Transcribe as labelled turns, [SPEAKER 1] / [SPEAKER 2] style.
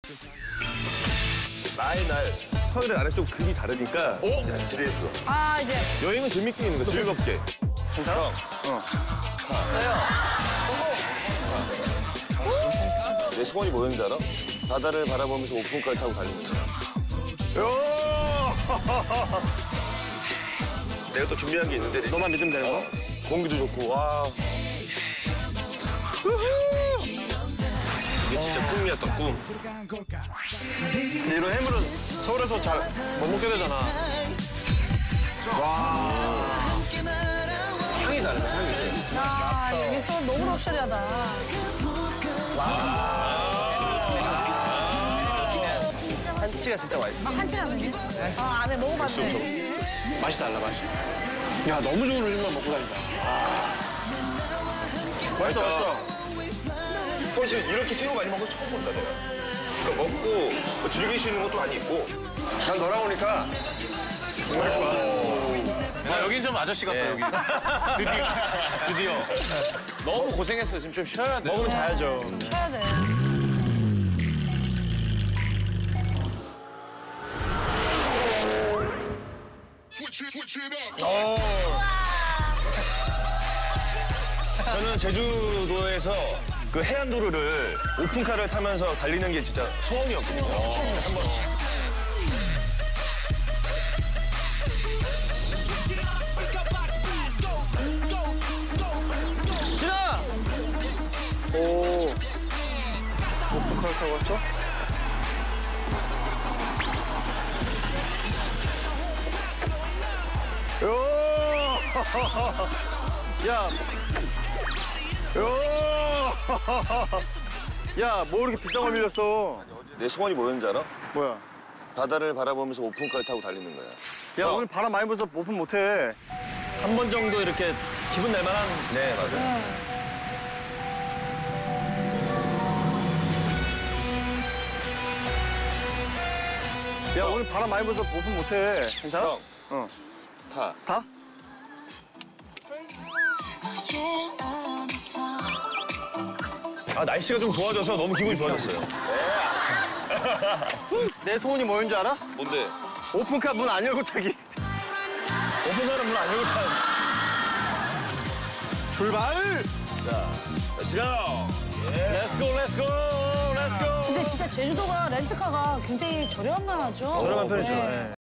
[SPEAKER 1] 나의 날 서울의 나랑 좀 급이 다르니까 기대했어.
[SPEAKER 2] 아, 이제.
[SPEAKER 1] 여행은 재밌게 있는 거 즐겁게.
[SPEAKER 3] 괜찮아?
[SPEAKER 1] 내 소원이 뭐였는지 알아? 바다를 바라보면서 오픈카를 타고 달리는 거야. 내가 또 준비한 게 있는데
[SPEAKER 3] 너만 믿으면 되는 거?
[SPEAKER 1] 공기도 좋고 와. 이게 진짜 꿈이었다 꿈.
[SPEAKER 3] 근데 이런 해물은 서울에서 잘 못 먹게 되잖아. 향이 다르다, 향이.
[SPEAKER 2] 야, 여기 또 너무 럭셔리하다.
[SPEAKER 3] 한치가 진짜 맛있어.
[SPEAKER 2] 아, 한치 라면이? 아, 안에 너무 맛있네.
[SPEAKER 3] 맛이 달라, 맛이. 야, 너무 좋은 음식만 먹고 다닌다. 맛있어, 맛있어.
[SPEAKER 1] 사실 이렇게 새우 많이 먹은 거 처음 본다 내가. 그러니까 먹고 뭐 즐길 수 있는 것도 많이 있고.
[SPEAKER 3] 난 너랑 오니까 정말 좋아.
[SPEAKER 4] 아, 여긴 좀 아저씨 같다, 여기. 드디어. 너무 고생했어. 지금 좀 쉬어야 돼.
[SPEAKER 3] 먹으면 자야죠.
[SPEAKER 2] 쉬어야 돼.
[SPEAKER 1] 저는 제주도에서 그 해안도로를 오픈카를 타면서 달리는 게 진짜 소원이었거든요. 한번.
[SPEAKER 3] 진아! 오. 오픈카를 타고 왔어? 야. 야, 뭐 이렇게 비싼 걸 밀렸어?
[SPEAKER 1] 내 소원이 뭐였는지 알아?
[SPEAKER 3] 뭐야?
[SPEAKER 1] 바다를 바라보면서 오픈카를 타고 달리는 거야.
[SPEAKER 3] 야, 오늘 바람 많이 불어서 오픈 못해. 한 번 정도 이렇게 기분 낼 만한.
[SPEAKER 1] 네, 맞아요.
[SPEAKER 3] 야, 오늘 바람 많이 불어서 오픈 못해. 괜찮아?
[SPEAKER 1] 형,
[SPEAKER 3] 어.
[SPEAKER 1] 타.
[SPEAKER 3] 다?
[SPEAKER 1] 아, 날씨가 좀 좋아져서 너무 기분이 좋아졌어요.
[SPEAKER 3] 내 소원이 뭐였는지 알아?
[SPEAKER 1] 뭔데?
[SPEAKER 3] 오픈카 문 안 열고 타기.
[SPEAKER 1] 오픈카는 문 안 열고 타는.
[SPEAKER 3] 출발!
[SPEAKER 1] Let's go!
[SPEAKER 3] Let's go, let's go, let's go!
[SPEAKER 2] 근데 진짜 제주도가 렌트카가 굉장히 저렴하죠?
[SPEAKER 3] 저렴한 편이죠.
[SPEAKER 2] 네.
[SPEAKER 3] 예.